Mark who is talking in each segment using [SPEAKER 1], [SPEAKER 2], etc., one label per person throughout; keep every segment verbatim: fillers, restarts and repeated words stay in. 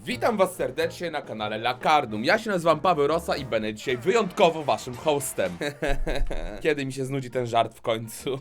[SPEAKER 1] Witam was serdecznie na kanale Lakardum. Ja się nazywam Paweł Rosa i będę dzisiaj wyjątkowo waszym hostem. Kiedy mi się znudzi ten żart w końcu?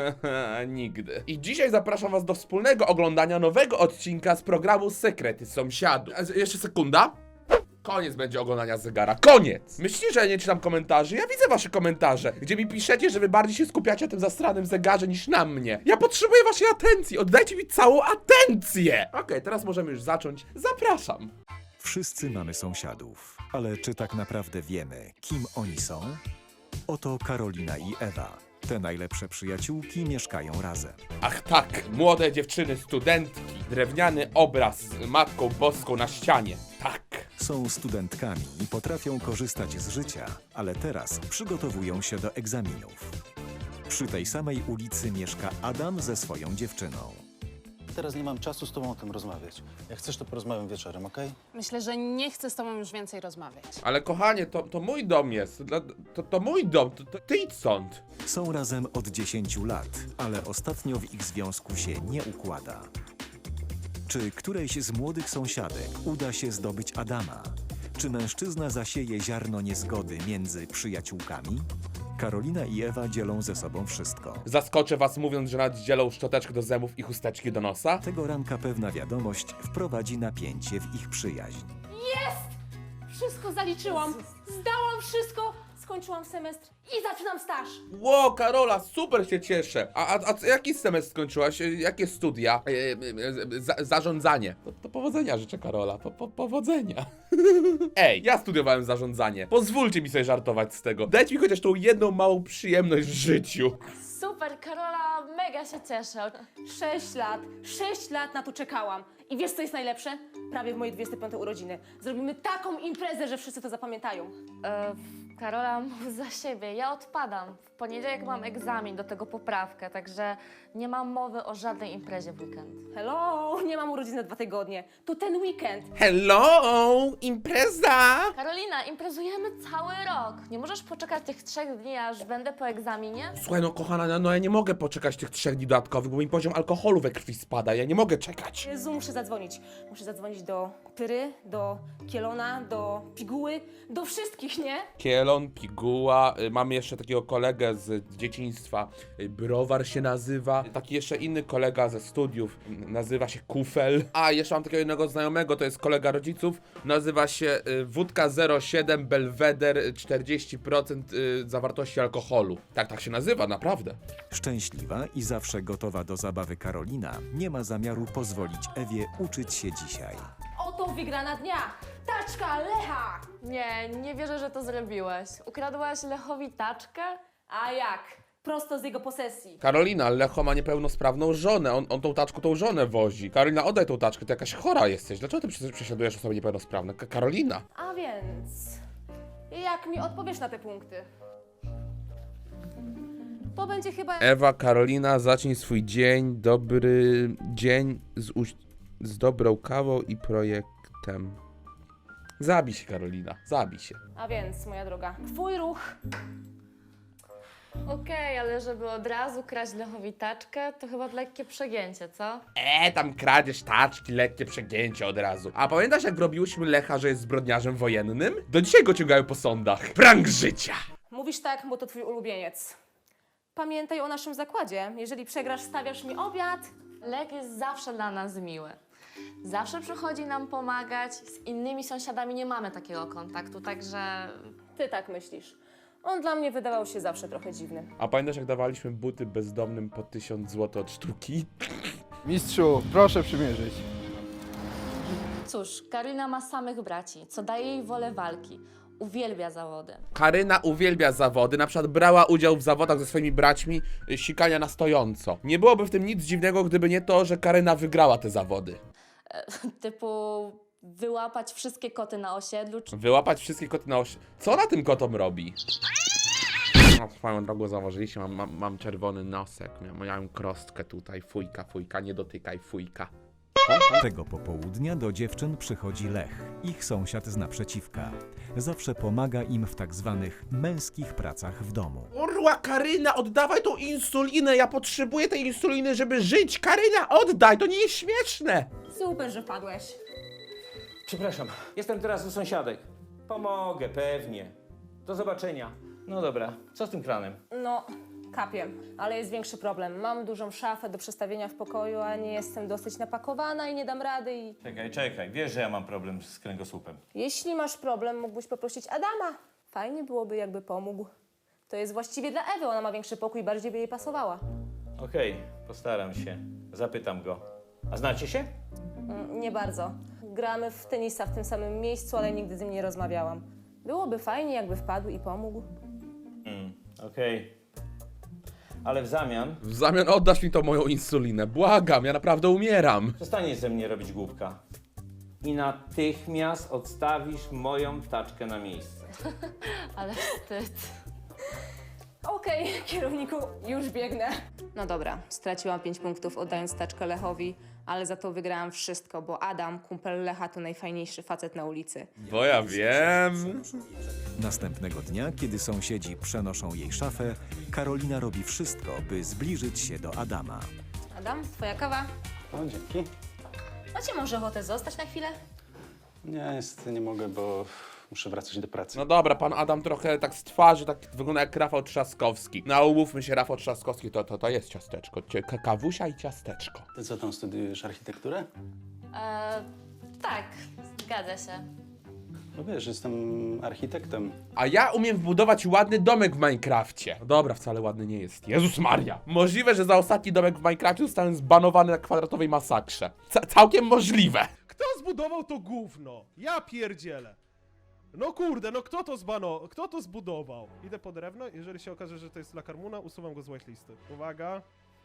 [SPEAKER 1] Nigdy. I dzisiaj zapraszam was do wspólnego oglądania nowego odcinka z programu Sekrety Sąsiadów. A, jeszcze sekunda. Koniec będzie oglądania zegara. Koniec! Myślicie, że ja nie czytam komentarzy? Ja widzę wasze komentarze, gdzie mi piszecie, że wy bardziej się skupiacie na tym zastranym zegarze niż na mnie. Ja potrzebuję waszej atencji. Oddajcie mi całą atencję! Okej, okay, teraz możemy już zacząć. Zapraszam.
[SPEAKER 2] Wszyscy mamy sąsiadów, ale czy tak naprawdę wiemy, kim oni są? Oto Karolina i Ewa. Te najlepsze przyjaciółki mieszkają razem.
[SPEAKER 1] Ach tak, młode dziewczyny, studentki. Drewniany obraz z Matką Boską na ścianie. Tak.
[SPEAKER 2] Są studentkami i potrafią korzystać z życia, ale teraz przygotowują się do egzaminów. Przy tej samej ulicy mieszka Adam ze swoją dziewczyną.
[SPEAKER 3] Teraz nie mam czasu z tobą o tym rozmawiać. Jak chcesz, to porozmawiam wieczorem, okej?
[SPEAKER 4] Myślę, że nie chcę z tobą już więcej rozmawiać.
[SPEAKER 1] Ale kochanie, to, to mój dom jest. To, to, to mój dom, to, to ty idź stąd.
[SPEAKER 2] Są razem od dziesięciu lat, ale ostatnio w ich związku się nie układa. Czy którejś z młodych sąsiadek uda się zdobyć Adama? Czy mężczyzna zasieje ziarno niezgody między przyjaciółkami? Karolina i Ewa dzielą ze sobą wszystko.
[SPEAKER 1] Zaskoczę was mówiąc, że nawet dzielą szczoteczkę do zębów i chusteczki do nosa.
[SPEAKER 2] Tego ranka pewna wiadomość wprowadzi napięcie w ich przyjaźń.
[SPEAKER 5] Jest! Wszystko zaliczyłam. Zdałam wszystko, skończyłam semestr i zaczynam staż.
[SPEAKER 1] Ło, Karola, super się cieszę. A, a, a jaki semestr skończyłaś? Jakie studia? E, e, e, za, zarządzanie. To, to powodzenia życzę, Karola. Po, po, powodzenia. Ej, ja studiowałem zarządzanie. Pozwólcie mi sobie żartować z tego. Dajcie mi chociaż tą jedną małą przyjemność w życiu.
[SPEAKER 5] Super, Karola, mega się cieszę. Sześć lat, sześć lat na to czekałam. I wiesz, co jest najlepsze? Prawie w moje dwudzieste piąte urodziny. Zrobimy taką imprezę, że wszyscy to zapamiętają.
[SPEAKER 6] E, Karola, mów za siebie, ja odpadam. W poniedziałek mam egzamin, do tego poprawkę, także nie mam mowy o żadnej imprezie w weekend.
[SPEAKER 5] Hello, nie mam urodzin na dwa tygodnie. To ten weekend.
[SPEAKER 1] Hello, impreza!
[SPEAKER 6] Karolina, imprezujemy cały rok. Nie możesz poczekać tych trzech dni, aż będę po egzaminie?
[SPEAKER 1] Słuchaj, no kochana, no, no ja nie mogę poczekać tych trzech dni dodatkowych, bo mi poziom alkoholu we krwi spada. Ja nie mogę czekać.
[SPEAKER 5] Jezu, muszę zadzwonić. Muszę zadzwonić do Pyry, do Kielona, do Piguły, do wszystkich, nie?
[SPEAKER 1] Kielon, Piguła, y, mamy jeszcze takiego kolegę z dzieciństwa, y, Browar się nazywa, taki jeszcze inny kolega ze studiów, y, nazywa się Kufel, a jeszcze mam takiego jednego znajomego, to jest kolega rodziców, nazywa się y, Wódka zero siedem Belweder, y, czterdzieści procent y, zawartości alkoholu. Tak, tak się nazywa, naprawdę.
[SPEAKER 2] Szczęśliwa i zawsze gotowa do zabawy Karolina nie ma zamiaru pozwolić Ewie uczyć się dzisiaj.
[SPEAKER 5] Oto wygrana dnia. Taczka Lecha.
[SPEAKER 6] Nie, nie wierzę, że to zrobiłeś. Ukradłaś Lechowi taczkę?
[SPEAKER 5] A jak? Prosto z jego posesji.
[SPEAKER 1] Karolina, Lecho ma niepełnosprawną żonę, on, on tą taczką tą żonę wozi. Karolina, oddaj tą taczkę, ty jakaś chora jesteś, dlaczego ty przecież prześladujesz osoby niepełnosprawne? Ka- Karolina!
[SPEAKER 5] A więc, jak mi odpowiesz na te punkty? To będzie chyba...
[SPEAKER 1] Ewa, Karolina, zacznij swój dzień, dobry dzień z, uś- z dobrą kawą i projektem. Zabij się, Karolina, zabij się.
[SPEAKER 5] A więc, moja droga, twój ruch.
[SPEAKER 6] Okej, ale żeby od razu kraść Lechowi taczkę, to chyba lekkie przegięcie, co?
[SPEAKER 1] E, tam kradzież taczki, lekkie przegięcie od razu. A pamiętasz, jak robiłyśmy Lecha, że jest zbrodniarzem wojennym? Do dzisiaj go ciągają po sądach. Prank życia!
[SPEAKER 5] Mówisz tak, bo to twój ulubieniec. Pamiętaj o naszym zakładzie. Jeżeli przegrasz, stawiasz mi obiad.
[SPEAKER 6] Lek jest zawsze dla nas miły. Zawsze przychodzi nam pomagać, z innymi sąsiadami nie mamy takiego kontaktu, także...
[SPEAKER 5] Ty tak myślisz. On dla mnie wydawał się zawsze trochę dziwny.
[SPEAKER 1] A pamiętasz, jak dawaliśmy buty bezdomnym po tysiąc złotych od sztuki?
[SPEAKER 7] Mistrzu, proszę przymierzyć.
[SPEAKER 6] Cóż, Karolina ma samych braci, co daje jej wolę walki. Uwielbia zawody.
[SPEAKER 1] Karyna uwielbia zawody, na przykład brała udział w zawodach ze swoimi braćmi y, sikania na stojąco. Nie byłoby w tym nic dziwnego, gdyby nie to, że Karyna wygrała te zawody.
[SPEAKER 6] Typu wyłapać wszystkie koty na osiedlu, czy
[SPEAKER 1] Wyłapać wszystkie koty na oś... Co ona tym kotom robi? No, swoją drogą zauważyliście, mam, mam, mam czerwony nosek, miałem, miałem krostkę tutaj, fujka, fujka, nie dotykaj, fujka.
[SPEAKER 2] Tego popołudnia do dziewczyn przychodzi Lech, ich sąsiad z naprzeciwka. Zawsze pomaga im w tak zwanych męskich pracach w domu.
[SPEAKER 1] Urła, Karyna, oddawaj tą insulinę, ja potrzebuję tej insuliny, żeby żyć. Karyna, oddaj, to nie jest śmieszne.
[SPEAKER 5] Super, że padłeś.
[SPEAKER 8] Przepraszam, jestem teraz u sąsiadek. Pomogę, pewnie. Do zobaczenia. No dobra, co z tym kranem?
[SPEAKER 5] No, kapiem, ale jest większy problem. Mam dużą szafę do przestawienia w pokoju, a nie jestem dosyć napakowana i nie dam rady i...
[SPEAKER 8] Czekaj, czekaj, wiesz, że ja mam problem z kręgosłupem.
[SPEAKER 5] Jeśli masz problem, mógłbyś poprosić Adama. Fajnie byłoby, jakby pomógł. To jest właściwie dla Ewy, ona ma większy pokój, bardziej by jej pasowała.
[SPEAKER 8] Okej, postaram się. Zapytam go. A znacie się?
[SPEAKER 5] Mm, nie bardzo. Gramy w tenisa w tym samym miejscu, ale nigdy z nim nie rozmawiałam. Byłoby fajnie, jakby wpadł i pomógł.
[SPEAKER 8] Mm, okej. Ale w zamian
[SPEAKER 1] W zamian oddasz mi tą moją insulinę. Błagam, ja naprawdę umieram.
[SPEAKER 8] przestaniesz ze mnie robić głupka. I natychmiast odstawisz moją taczkę na miejsce.
[SPEAKER 6] Ale wstyd.
[SPEAKER 5] Okej, kierowniku, już biegnę. No dobra, straciłam pięć punktów oddając taczkę Lechowi, ale za to wygrałam wszystko, bo Adam, kumpel Lecha, to najfajniejszy facet na ulicy.
[SPEAKER 1] Bo ja wiem.
[SPEAKER 2] Następnego dnia, kiedy sąsiedzi przenoszą jej szafę, Karolina robi wszystko, by zbliżyć się do Adama.
[SPEAKER 5] Adam, twoja kawa?
[SPEAKER 3] O, dzięki.
[SPEAKER 5] Macie może ochotę zostać na chwilę?
[SPEAKER 3] Nie, niestety nie mogę, bo muszę wracać do pracy.
[SPEAKER 1] No dobra, pan Adam trochę tak z twarzy, tak wygląda jak Rafał Trzaskowski. No umówmy się, Rafał Trzaskowski to, to, to jest ciasteczko. Cie- ka- Kawusia i ciasteczko.
[SPEAKER 3] Ty co tam studiujesz, architekturę?
[SPEAKER 6] E, tak, zgadza się.
[SPEAKER 3] No wiesz, jestem architektem.
[SPEAKER 1] A ja umiem wbudować ładny domek w Minecrafcie. No dobra, wcale ładny nie jest. Jezus Maria. Możliwe, że za ostatni domek w Minecrafcie zostałem zbanowany na kwadratowej masakrze. Ca- całkiem możliwe.
[SPEAKER 9] Kto zbudował to gówno? Ja pierdzielę. No kurde, no kto to zbano... Kto to zbudował? Idę po drewno, jeżeli się okaże, że to jest La Carmuna, usuwam go z whitelisty. Uwaga.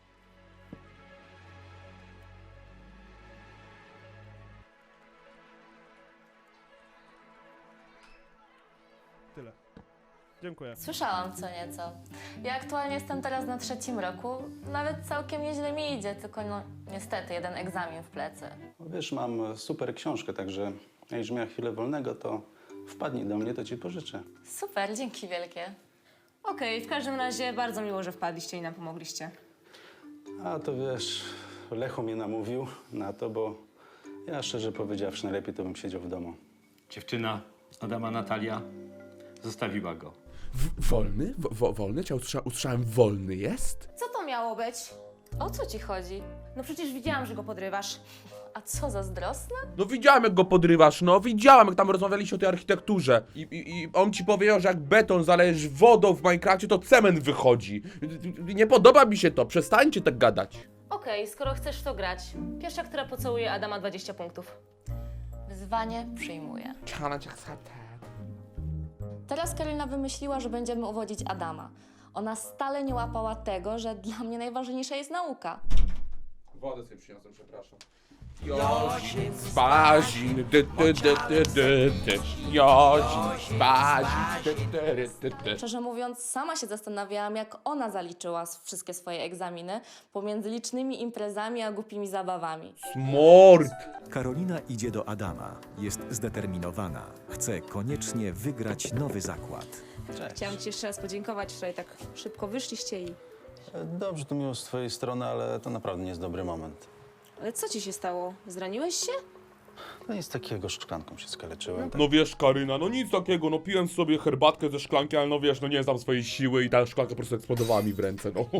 [SPEAKER 9] Tyle. Dziękuję.
[SPEAKER 6] Słyszałam co nieco. Ja aktualnie jestem teraz na trzecim roku. Nawet całkiem nieźle mi idzie, tylko no niestety jeden egzamin w plecy.
[SPEAKER 3] No wiesz, mam super książkę, także jak miała chwilę wolnego, to wpadnij do mnie, to ci pożyczę.
[SPEAKER 6] Super, dzięki wielkie.
[SPEAKER 5] Okej, w każdym razie bardzo miło, że wpadliście i nam pomogliście.
[SPEAKER 3] A to wiesz, Lechu mnie namówił na to, bo ja szczerze powiedziawszy, najlepiej to bym siedział w domu.
[SPEAKER 8] Dziewczyna Adama Natalia zostawiła go.
[SPEAKER 1] W- wolny? W- wo- wolny? Cię usłysza- usłyszałem, wolny jest?
[SPEAKER 5] Co to miało być?
[SPEAKER 6] O co ci chodzi?
[SPEAKER 5] No przecież widziałam, że go podrywasz.
[SPEAKER 6] A co, zazdrosna?
[SPEAKER 1] No widziałem, jak go podrywasz, no widziałem, jak tam rozmawialiście o tej architekturze. I, i, i on ci powiedział, że jak beton zalejesz wodą w Minecrafcie, to cement wychodzi. Nie podoba mi się to, przestańcie tak gadać.
[SPEAKER 5] Okej, skoro chcesz to grać. Pierwsza, która pocałuje Adama, dwadzieścia punktów.
[SPEAKER 6] Wyzwanie przyjmuję.
[SPEAKER 1] Ciana cię chce.
[SPEAKER 6] Teraz Karolina wymyśliła, że będziemy uwodzić Adama. Ona stale nie łapała tego, że dla mnie najważniejsza jest nauka.
[SPEAKER 1] Wodę sobie przyniosłem, przepraszam. Jozin, spazin, dy, dy, dy, dy, dy, dy. Jozin, spazin, dy, dy, dy, dy.
[SPEAKER 6] Szczerze mówiąc, sama się zastanawiałam, jak ona zaliczyła s- wszystkie swoje egzaminy pomiędzy licznymi imprezami a głupimi zabawami.
[SPEAKER 1] Smord!
[SPEAKER 2] Karolina idzie do Adama. Jest zdeterminowana. Chce koniecznie wygrać nowy zakład.
[SPEAKER 3] Cześć.
[SPEAKER 5] Chciałam ci jeszcze raz podziękować, wczoraj tak szybko wyszliście i...
[SPEAKER 3] E, Dobrze, to miło z twojej strony, ale to naprawdę nie jest dobry moment.
[SPEAKER 5] Ale co ci się stało? Zraniłeś się?
[SPEAKER 3] No nic takiego, szklanką się skaleczyłem. Tak.
[SPEAKER 1] No wiesz, Karyna, no nic takiego, no piłem sobie herbatkę ze szklanki, ale no wiesz, no nie znam swojej siły i ta szklanka po prostu eksplodowała mi w ręce, no.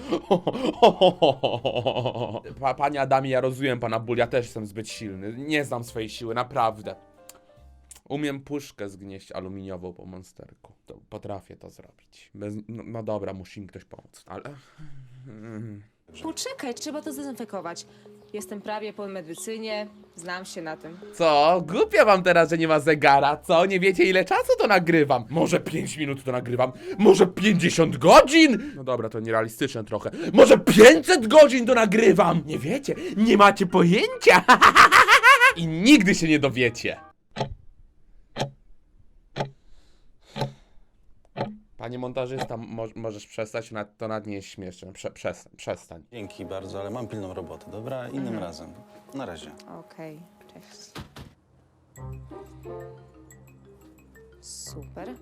[SPEAKER 1] Pa, panie Adamie, ja rozumiem pana ból, ja też jestem zbyt silny, nie znam swojej siły, naprawdę. Umiem puszkę zgnieść aluminiową po monsterku, to potrafię to zrobić. Bez, no, no dobra, musi mi ktoś pomóc, ale...
[SPEAKER 5] Poczekaj, trzeba to zdezynfekować. Jestem prawie po medycynie, znam się na tym.
[SPEAKER 1] Co? Głupio wam teraz, że nie ma zegara, co? Nie wiecie, ile czasu to nagrywam? Może pięć minut to nagrywam? Może pięćdziesiąt godzin? No dobra, to nierealistyczne trochę. Może pięćset godzin to nagrywam? Nie wiecie, nie macie pojęcia. I nigdy się nie dowiecie. Panie montażysta, mo możesz przestać, na to nad nie jest śmieszne. Prze przestań, przestań.
[SPEAKER 3] Dzięki bardzo, ale mam pilną robotę, dobra? Innym razem. Na razie.
[SPEAKER 5] Okej, cześć. Super.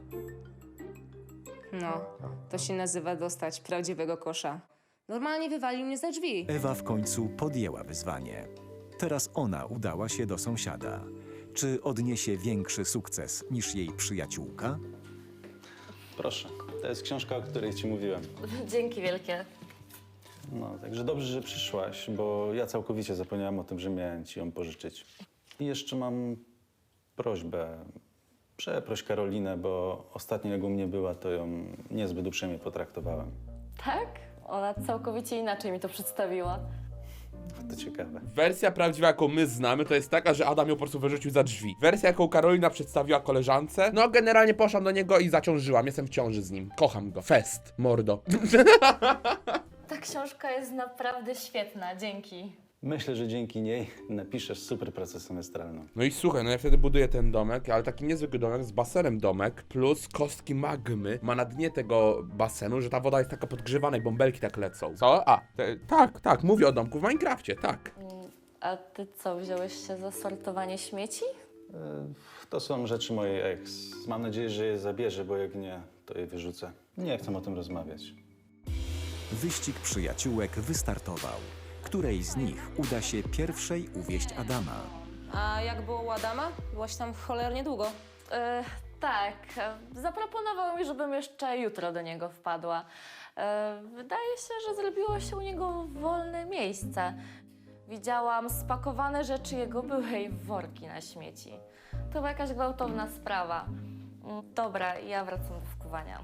[SPEAKER 5] No, to się nazywa dostać prawdziwego kosza. Normalnie wywalił mnie za drzwi.
[SPEAKER 2] Ewa w końcu podjęła wyzwanie. Teraz ona udała się do sąsiada. Czy odniesie większy sukces niż jej przyjaciółka?
[SPEAKER 3] Proszę, to jest książka, o której ci mówiłem.
[SPEAKER 6] Dzięki wielkie.
[SPEAKER 3] No, także dobrze, że przyszłaś, bo ja całkowicie zapomniałem o tym, że miałem ci ją pożyczyć. I jeszcze mam prośbę. Przeproś Karolinę, bo ostatnio jak u mnie była, to ją niezbyt uprzejmie potraktowałem.
[SPEAKER 6] Tak? Ona całkowicie inaczej mi to przedstawiła.
[SPEAKER 3] To ciekawe.
[SPEAKER 1] Wersja prawdziwa, jaką my znamy, to jest taka, że Adam ją po prostu wyrzucił za drzwi. Wersja, jaką Karolina przedstawiła koleżance, no generalnie poszłam do niego i zaciążyłam. Jestem w ciąży z nim. Kocham go. Fest. Mordo.
[SPEAKER 6] Ta książka jest naprawdę świetna, dzięki.
[SPEAKER 3] Myślę, że dzięki niej napiszesz super pracę semestralną.
[SPEAKER 1] No i słuchaj, no ja wtedy buduję ten domek, ale taki niezwykły domek z basenem domek, plus kostki magmy ma na dnie tego basenu, że ta woda jest taka podgrzewana i bąbelki tak lecą. Co? A, te, tak, tak, mówię o domku w Minecrafcie, tak.
[SPEAKER 6] A ty co, wziąłeś się za sortowanie śmieci?
[SPEAKER 3] E, To są rzeczy mojej ex. Mam nadzieję, że je zabierze, bo jak nie, to je wyrzucę. Nie chcę o tym rozmawiać.
[SPEAKER 2] Wyścig przyjaciółek wystartował. Której z nich uda się pierwszej uwieść Adama?
[SPEAKER 5] A jak było u Adama? Byłaś tam cholernie długo.
[SPEAKER 6] E, tak, e, zaproponował mi, żebym jeszcze jutro do niego wpadła. E, wydaje się, że zrobiło się u niego wolne miejsce. Widziałam spakowane rzeczy jego byłej w worki na śmieci. To była jakaś gwałtowna sprawa. Mm, Dobra, ja wracam do wkuwania.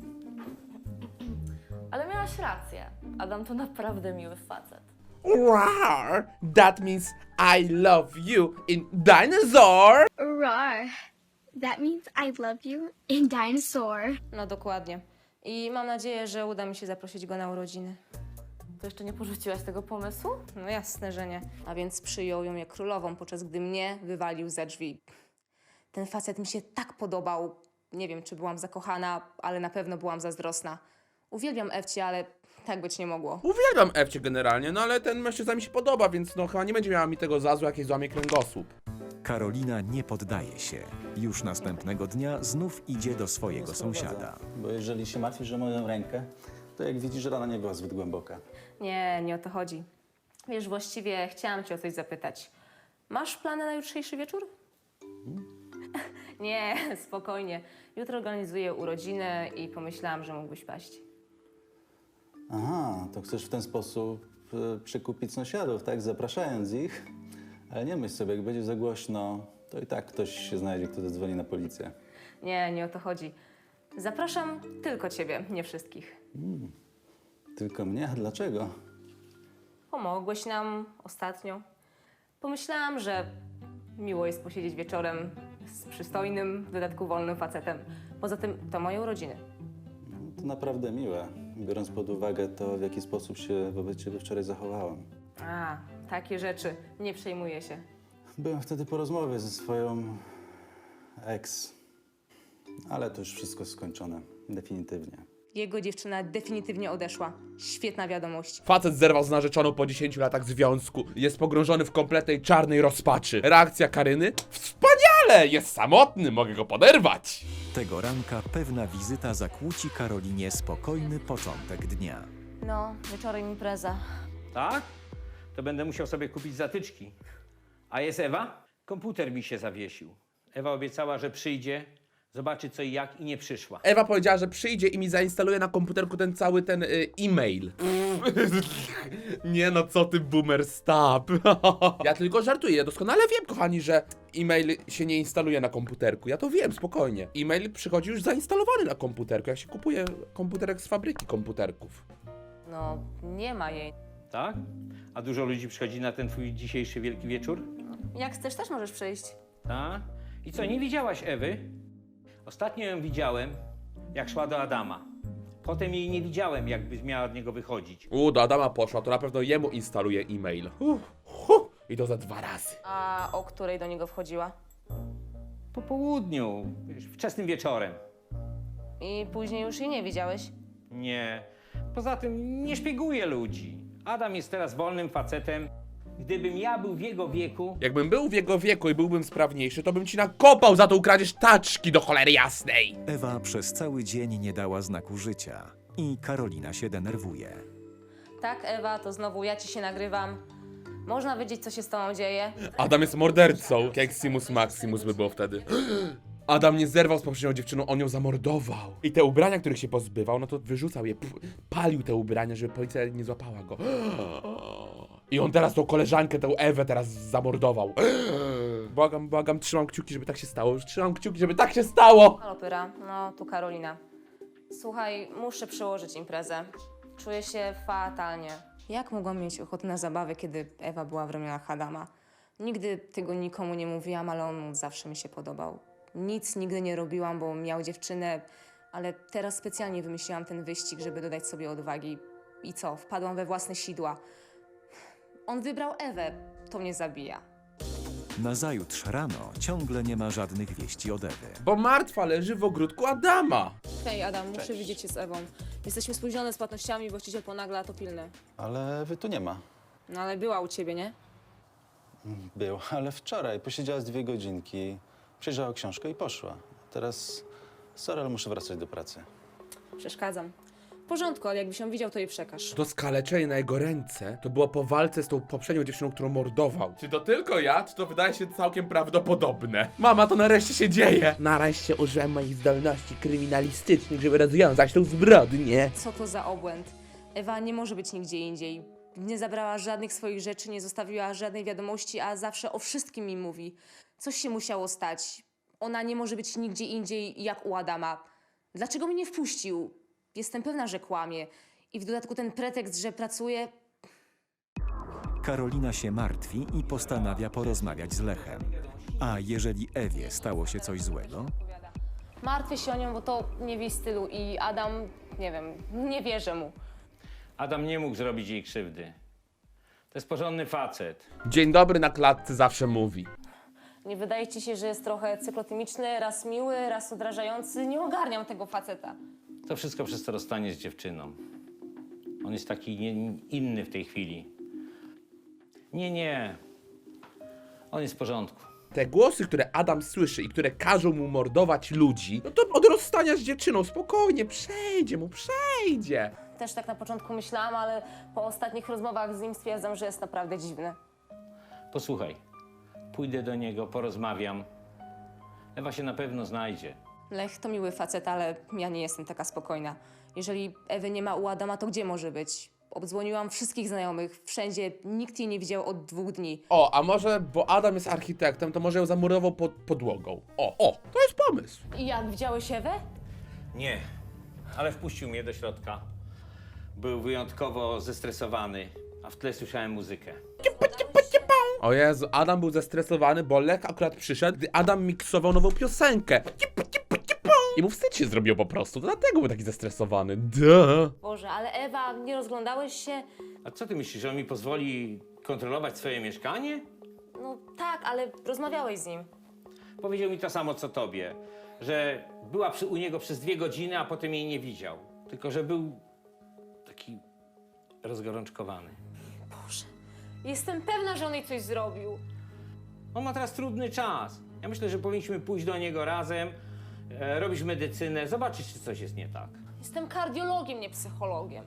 [SPEAKER 6] Ale miałaś rację. Adam to naprawdę miły facet.
[SPEAKER 1] Rawr, that means I love you in dinosaur.
[SPEAKER 10] Roar. That means I love you in dinosaur.
[SPEAKER 5] No dokładnie. I mam nadzieję, że uda mi się zaprosić go na urodziny.
[SPEAKER 6] To jeszcze nie porzuciłaś tego pomysłu?
[SPEAKER 5] No jasne, że nie. A więc przyjął ją jak królową, podczas gdy mnie wywalił za drzwi. Ten facet mi się tak podobał. Nie wiem, czy byłam zakochana, ale na pewno byłam zazdrosna. Uwielbiam Ewcie, ale tak być nie mogło.
[SPEAKER 1] Uwielbiam Ewcie generalnie, no ale ten mężczyzna mi się podoba, więc no chyba nie będzie miała mi tego za złe, jakieś złamie kręgosłup.
[SPEAKER 2] Karolina nie poddaje się. Już następnego dnia znów idzie do swojego sąsiada.
[SPEAKER 3] Bo jeżeli się martwisz o moją rękę, to jak widzisz, rana nie była zbyt głęboka.
[SPEAKER 5] Nie, nie o to chodzi. Wiesz, właściwie chciałam cię o coś zapytać. Masz plany na jutrzejszy wieczór? Nie, spokojnie. Jutro organizuję urodziny i pomyślałam, że mógłbyś paść.
[SPEAKER 3] Aha, to chcesz w ten sposób e, przykupić sąsiadów, tak? Zapraszając ich. Ale nie myśl sobie, jak będzie za głośno, to i tak ktoś się znajdzie, kto zadzwoni na policję.
[SPEAKER 5] Nie, nie o to chodzi. Zapraszam tylko ciebie, nie wszystkich.
[SPEAKER 3] Tylko mnie? A dlaczego?
[SPEAKER 5] Pomogłeś nam ostatnio. Pomyślałam, że miło jest posiedzieć wieczorem z przystojnym, w dodatku wolnym facetem. Poza tym to moje urodziny.
[SPEAKER 3] To naprawdę miłe, biorąc pod uwagę to, w jaki sposób się wobec ciebie wczoraj zachowałam.
[SPEAKER 5] A, takie rzeczy. Nie przejmuję się.
[SPEAKER 3] Byłem wtedy po rozmowie ze swoją ex, ale to już wszystko skończone, definitywnie.
[SPEAKER 5] Jego dziewczyna definitywnie odeszła. Świetna wiadomość.
[SPEAKER 1] Facet zerwał z narzeczoną po dziesięciu latach związku. Jest pogrążony w kompletnej czarnej rozpaczy. Reakcja Karyny? Wspaniale! Jest samotny, mogę go poderwać.
[SPEAKER 2] Tego ranka pewna wizyta zakłóci Karolinie spokojny początek dnia.
[SPEAKER 5] No, wieczorem impreza.
[SPEAKER 8] Tak? To będę musiał sobie kupić zatyczki. A jest Ewa? Komputer mi się zawiesił. Ewa obiecała, że przyjdzie, zobaczy co i jak i nie przyszła.
[SPEAKER 1] Ewa powiedziała, że przyjdzie i mi zainstaluje na komputerku ten cały ten y, e-mail. Nie no, co ty boomer, stop. Ja tylko żartuję, ja doskonale wiem, kochani, że e-mail się nie instaluje na komputerku. Ja to wiem, spokojnie. E-mail przychodzi już zainstalowany na komputerku, jak się kupuje komputerek z fabryki komputerków.
[SPEAKER 5] No, nie ma jej.
[SPEAKER 8] Tak? A dużo ludzi przychodzi na ten twój dzisiejszy wielki wieczór?
[SPEAKER 5] Jak chcesz, też możesz przyjść.
[SPEAKER 8] Tak? I co, nie widziałaś Ewy? Ostatnio ją widziałem, jak szła do Adama. Potem jej nie widziałem, jakby miała od niego wychodzić.
[SPEAKER 1] U, do Adama poszła, to na pewno jemu instaluje e-mail. Uh, huh, I to za dwa razy.
[SPEAKER 5] A o której do niego wchodziła?
[SPEAKER 8] Po południu, wiesz, wczesnym wieczorem.
[SPEAKER 5] I później już jej nie widziałeś?
[SPEAKER 8] Nie. Poza tym nie szpieguję ludzi. Adam jest teraz wolnym facetem. Gdybym ja był w jego wieku...
[SPEAKER 1] Jakbym był w jego wieku i byłbym sprawniejszy, to bym ci nakopał za tą kradzież taczki do cholery jasnej.
[SPEAKER 2] Ewa przez cały dzień nie dała znaku życia i Karolina się denerwuje.
[SPEAKER 5] Tak, Ewa, to znowu ja ci się nagrywam. Można wiedzieć, co się z tobą dzieje?
[SPEAKER 1] Adam jest mordercą. Keximus Maximus by było wtedy. Adam nie zerwał z poprzednią dziewczyną, on ją zamordował. I te ubrania, których się pozbywał, no to wyrzucał je, pf, palił te ubrania, żeby policja nie złapała go. I on teraz tą koleżankę, tę Ewę teraz zamordował. Błagam, błagam, trzymam kciuki, żeby tak się stało. Trzymam kciuki, żeby tak się stało.
[SPEAKER 5] Halo, Pyra. No, tu Karolina. Słuchaj, muszę przełożyć imprezę. Czuję się fatalnie. Jak mogłam mieć ochotę na zabawę, kiedy Ewa była w ramionach Adama? Nigdy tego nikomu nie mówiłam, ale on zawsze mi się podobał. Nic nigdy nie robiłam, bo miał dziewczynę, ale teraz specjalnie wymyśliłam ten wyścig, żeby dodać sobie odwagi. I co? Wpadłam we własne sidła. On wybrał Ewę. To mnie zabija.
[SPEAKER 2] Nazajutrz rano ciągle nie ma żadnych wieści od Ewy.
[SPEAKER 1] Bo martwa leży w ogródku Adama.
[SPEAKER 5] Hej, Adam, muszę widzieć się z Ewą. Jesteśmy spóźnione z płatnościami, właściciel ponagla, to pilne.
[SPEAKER 3] Ale wy tu nie ma.
[SPEAKER 5] No ale była u ciebie, nie?
[SPEAKER 3] Był, ale wczoraj posiedziała z dwie godzinki, przejrzała książkę i poszła. Teraz, sorry, ale muszę wracać do pracy.
[SPEAKER 5] Przeszkadzam. W porządku, ale jakbyś ją widział, to jej przekaż.
[SPEAKER 1] To skaleczenie na jego ręce to było po walce z tą poprzednią dziewczyną, którą mordował. Czy to tylko ja, czy to wydaje się całkiem prawdopodobne? Mama, to nareszcie się dzieje! Nareszcie użyłem moich zdolności kryminalistycznych, żeby rozwiązać tą zbrodnię.
[SPEAKER 5] Co to za obłęd? Ewa nie może być nigdzie indziej. Nie zabrała żadnych swoich rzeczy, nie zostawiła żadnej wiadomości, a zawsze o wszystkim mi mówi. Coś się musiało stać. Ona nie może być nigdzie indziej jak u Adama. Dlaczego mnie nie wpuścił? Jestem pewna, że kłamie. I w dodatku ten pretekst, że pracuje...
[SPEAKER 2] Karolina się martwi i postanawia porozmawiać z Lechem. A jeżeli Ewie stało się coś złego?
[SPEAKER 5] Martwię się o nią, bo to nie w jej stylu i Adam, nie wiem, nie wierzę mu.
[SPEAKER 8] Adam nie mógł zrobić jej krzywdy. To jest porządny facet.
[SPEAKER 1] Dzień dobry na klatce zawsze mówi.
[SPEAKER 5] Nie wydaje ci się, że jest trochę cyklotymiczny, raz miły, raz odrażający? Nie ogarniam tego faceta.
[SPEAKER 8] To wszystko przez to rozstanie z dziewczyną. On jest taki nie, inny w tej chwili. Nie, nie. On jest w porządku.
[SPEAKER 1] Te głosy, które Adam słyszy i które każą mu mordować ludzi, no to od rozstania z dziewczyną, spokojnie, przejdzie mu, przejdzie.
[SPEAKER 5] Też tak na początku myślałam, ale po ostatnich rozmowach z nim stwierdzam, że jest naprawdę dziwny.
[SPEAKER 8] Posłuchaj, pójdę do niego, porozmawiam. Ewa się na pewno znajdzie.
[SPEAKER 5] Lech to miły facet, ale ja nie jestem taka spokojna. Jeżeli Ewy nie ma u Adama, to gdzie może być? Obdzwoniłam wszystkich znajomych, wszędzie, nikt jej nie widział od dwóch dni.
[SPEAKER 1] O, a może, bo Adam jest architektem, to może ją zamurował pod podłogą. O, o, to jest pomysł.
[SPEAKER 5] I jak, widziałeś Ewę?
[SPEAKER 8] Nie, ale wpuścił mnie do środka. Był wyjątkowo zestresowany, a w tle słyszałem muzykę.
[SPEAKER 1] O Jezu, Adam był zestresowany, bo Lech akurat przyszedł, gdy Adam miksował nową piosenkę. I mu wstyd się zrobił po prostu, to dlatego był taki zestresowany. Duh.
[SPEAKER 5] Boże, ale Ewa, nie rozglądałeś się?
[SPEAKER 8] A co ty myślisz, że on mi pozwoli kontrolować swoje mieszkanie?
[SPEAKER 5] No tak, ale rozmawiałeś z nim.
[SPEAKER 8] Powiedział mi to samo, co tobie, że była przy, u niego przez dwie godziny, a potem jej nie widział. Tylko, że był taki rozgorączkowany.
[SPEAKER 5] Boże, jestem pewna, że on jej coś zrobił.
[SPEAKER 8] On ma teraz trudny czas. Ja myślę, że powinniśmy pójść do niego razem, e, robić medycynę, zobaczyć, czy coś jest nie tak.
[SPEAKER 5] Jestem kardiologiem, nie psychologiem.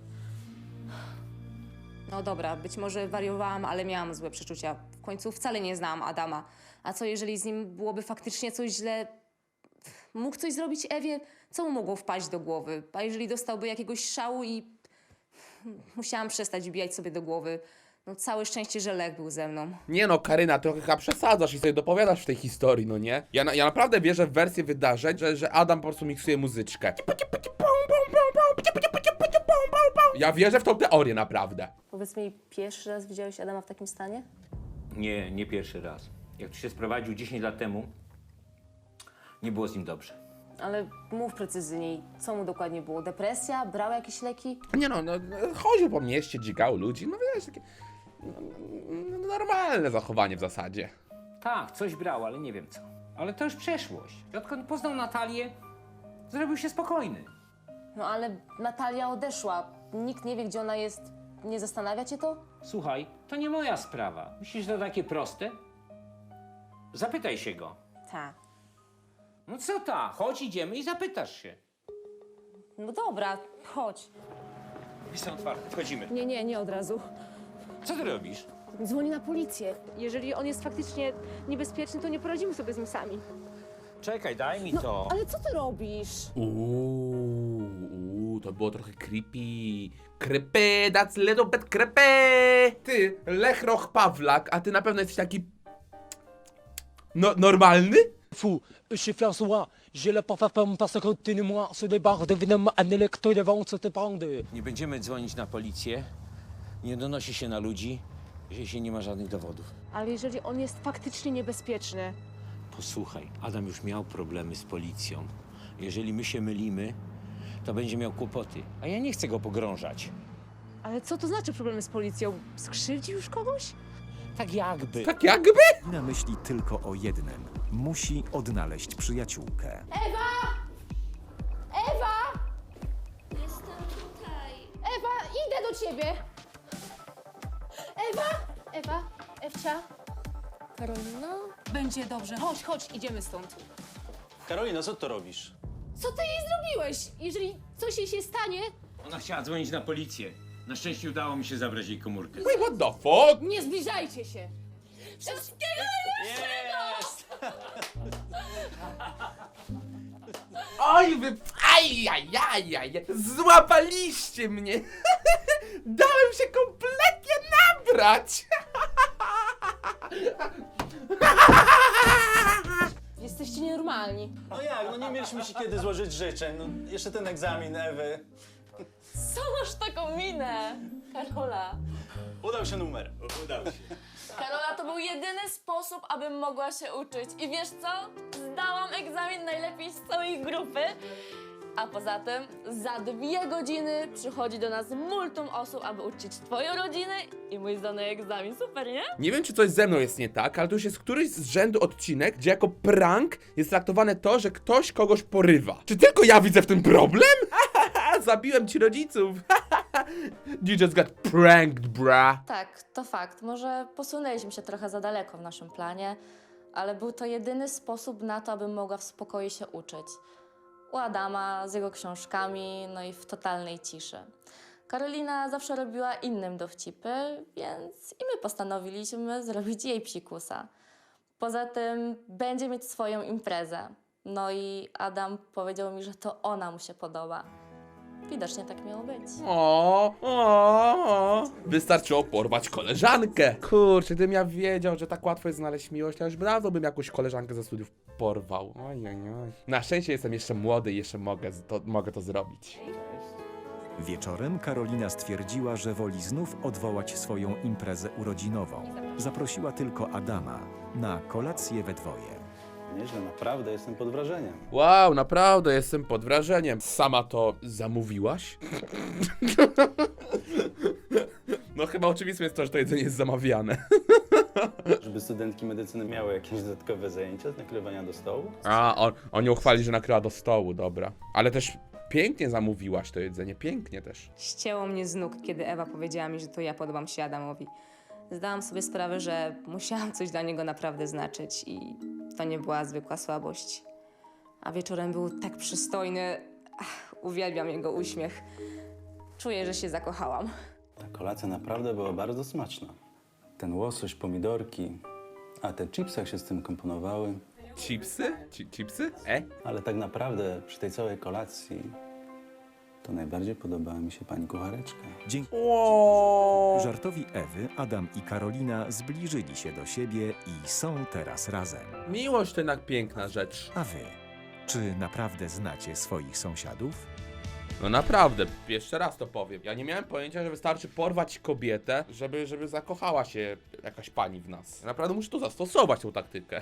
[SPEAKER 5] No dobra, być może wariowałam, ale miałam złe przeczucia. W końcu wcale nie znałam Adama. A co jeżeli z nim byłoby faktycznie coś źle? Mógł coś zrobić Ewie? Co mu mogło wpaść do głowy? A jeżeli dostałby jakiegoś szału i... Musiałam przestać wbijać sobie do głowy. No całe szczęście, że Lech był ze mną.
[SPEAKER 1] Nie no, Karyna, trochę chyba przesadzasz i sobie dopowiadasz w tej historii, no nie? Ja, na, ja naprawdę wierzę w wersję wydarzeń, że, że Adam po prostu miksuje muzyczkę. Ja wierzę w tą teorię naprawdę.
[SPEAKER 5] Powiedz mi, pierwszy raz widziałeś Adama w takim stanie?
[SPEAKER 8] Nie, nie pierwszy raz. Jak tu się sprowadził dziesięć lat temu, nie było z nim dobrze.
[SPEAKER 5] Ale mów precyzyjniej, co mu dokładnie było? Depresja? Brał jakieś leki?
[SPEAKER 1] Nie no, no chodził po mieście, dzigał ludzi, no wiesz, takie no, no, normalne zachowanie w zasadzie.
[SPEAKER 8] Tak, coś brał, ale nie wiem co. Ale to już przeszłość. Odkąd poznał Natalię, zrobił się spokojny.
[SPEAKER 5] No ale Natalia odeszła. Nikt nie wie, gdzie ona jest. Nie zastanawia cię to?
[SPEAKER 8] Słuchaj, to nie moja sprawa. Myślisz, że to takie proste? Zapytaj się go.
[SPEAKER 5] Tak.
[SPEAKER 8] No co ta? Chodź, idziemy i zapytasz się.
[SPEAKER 5] No dobra, chodź.
[SPEAKER 8] Drzwi są otwarte, wchodzimy.
[SPEAKER 5] Nie, nie, nie od razu.
[SPEAKER 8] Co ty robisz?
[SPEAKER 5] Dzwoni na policję. Jeżeli on jest faktycznie niebezpieczny, to nie poradzimy sobie z nim sami.
[SPEAKER 8] Czekaj, daj mi
[SPEAKER 5] No,
[SPEAKER 8] to.
[SPEAKER 5] ale co ty robisz?
[SPEAKER 1] Uuu, uuu, to było trochę creepy. Creepy, that's little bit creepy. Ty, Lechroch Pawlak, a ty na pewno jesteś taki... No, normalny?
[SPEAKER 11] Fou, je suis François, j'ai le parfum parce que tu moi sur les barres devenant un électro de vente te prendre.
[SPEAKER 8] Nie będziemy dzwonić na policję. Nie donosi się na ludzi, jeśli nie ma żadnych dowodów.
[SPEAKER 5] Ale jeżeli on jest faktycznie niebezpieczny,
[SPEAKER 8] Posłuchaj, Adam już miał problemy z policją. Jeżeli my się mylimy, to będzie miał kłopoty. A ja nie chcę go pogrążać.
[SPEAKER 5] ale co to znaczy problemy z policją? Skrzywdził już kogoś?
[SPEAKER 8] Tak jakby.
[SPEAKER 1] Tak jakby?
[SPEAKER 2] Na myśli tylko o jednym. Musi odnaleźć przyjaciółkę.
[SPEAKER 10] Ewa! Jestem tutaj.
[SPEAKER 5] Ewa, idę do ciebie! Ewa! Ewa, Ewcia.
[SPEAKER 6] Karolina?
[SPEAKER 5] Będzie dobrze, chodź, chodź, idziemy stąd.
[SPEAKER 3] Karolina, co to robisz?
[SPEAKER 5] Co ty jej zrobiłeś? Jeżeli coś jej się stanie,
[SPEAKER 8] Ona chciała dzwonić na policję. Na szczęście udało mi się zabrać jej komórkę.
[SPEAKER 1] Wait, what the fuck?
[SPEAKER 5] nie zbliżajcie się.
[SPEAKER 6] Wszystkiego
[SPEAKER 1] Oj, wy... Aj, aj, aj, aj, złapaliście mnie. Dałem się kompletnie nabrać.
[SPEAKER 5] Jesteście nienormalni.
[SPEAKER 3] No jak, no nie mieliśmy się kiedy złożyć życzeń. No, jeszcze ten egzamin Ewy.
[SPEAKER 6] Co masz taką minę? Karola.
[SPEAKER 3] Udał się numer. Udał się.
[SPEAKER 6] Karola, to był jedyny sposób, abym mogła się uczyć. I wiesz co? Zdałam egzamin najlepiej z całej grupy. A poza tym za dwie godziny przychodzi do nas multum osób, aby uczyć twoją rodzinę i mój zdany egzamin. Super, nie?
[SPEAKER 1] Nie wiem, czy coś ze mną jest nie tak, ale to już jest któryś z rzędu odcinek, gdzie jako prank jest traktowane to, że ktoś kogoś porywa. Czy tylko ja widzę w tym problem? Zabiłem ci rodziców. You just got pranked, bra.
[SPEAKER 6] Tak, to fakt. Może posunęliśmy się trochę za daleko w naszym planie, ale był to jedyny sposób na to, abym mogła w spokoju się uczyć. U Adama, z jego książkami, no i w totalnej ciszy. Karolina zawsze robiła innym dowcipy, więc i my postanowiliśmy zrobić jej psikusa. Poza tym będzie mieć swoją imprezę. No i Adam powiedział mi, że to ona mu się podoba. Widocznie tak miało być.
[SPEAKER 1] O, o, o. Wystarczyło porwać koleżankę. Kurczę, gdybym ja wiedział, że tak łatwo jest znaleźć miłość, to już dawno bym jakąś koleżankę ze studiów porwał. Oj, oj, oj. Na szczęście jestem jeszcze młody i jeszcze mogę to, mogę to zrobić.
[SPEAKER 2] Wieczorem Karolina stwierdziła, że woli znów odwołać swoją imprezę urodzinową. Zaprosiła tylko Adama na kolację we dwoje.
[SPEAKER 3] Nieźle, naprawdę jestem pod wrażeniem.
[SPEAKER 1] Wow, naprawdę jestem pod wrażeniem. Sama to zamówiłaś? No chyba oczywiste jest to, że to jedzenie jest zamawiane.
[SPEAKER 3] Żeby studentki medycyny miały jakieś dodatkowe zajęcia z nakrywania do stołu?
[SPEAKER 1] A, on, on ją chwali, że nakryła do stołu, dobra. Ale też pięknie zamówiłaś to jedzenie, pięknie też.
[SPEAKER 5] Ścięło mnie z nóg, kiedy Ewa powiedziała mi, że to ja podobam się Adamowi. Zdałam sobie sprawę, że musiałam coś dla niego naprawdę znaczyć i to nie była zwykła słabość. A wieczorem był tak przystojny. Ach, uwielbiam jego uśmiech. Czuję, że się zakochałam.
[SPEAKER 3] Ta kolacja naprawdę była bardzo smaczna. Ten łosoś, pomidorki, a te chipsy jak się z tym komponowały.
[SPEAKER 1] Chipsy? Ci, chipsy? E?
[SPEAKER 3] Ale tak naprawdę przy tej całej kolacji to najbardziej podobała mi się pani kuchareczka.
[SPEAKER 2] Dzięki
[SPEAKER 1] O.
[SPEAKER 2] żartowi Ewy, Adam i Karolina zbliżyli się do siebie i są teraz razem.
[SPEAKER 1] Miłość to jednak piękna rzecz.
[SPEAKER 2] A wy, czy naprawdę znacie swoich sąsiadów?
[SPEAKER 1] No naprawdę, jeszcze raz to powiem. Ja nie miałem pojęcia, że wystarczy porwać kobietę, żeby, żeby zakochała się jakaś pani w nas. Ja naprawdę muszę tu zastosować tą taktykę.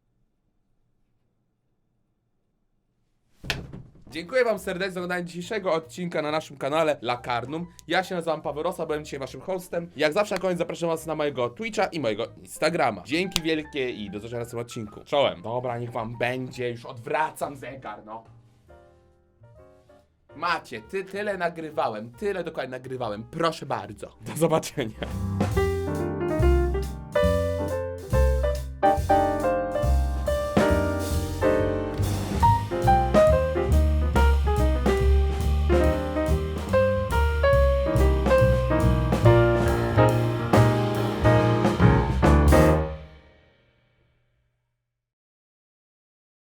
[SPEAKER 1] Dziękuję wam serdecznie za oglądanie dzisiejszego odcinka na naszym kanale Lakarnum. Ja się nazywam Paweł Rosa, byłem dzisiaj waszym hostem. Jak zawsze na koniec zapraszam was na mojego Twitcha i mojego Instagrama. Dzięki wielkie i do zobaczenia w następnym odcinku. Czołem. Dobra, niech wam będzie, już odwracam zegar, no. Macie, ty, tyle nagrywałem, tyle dokładnie nagrywałem. Proszę bardzo. Do zobaczenia.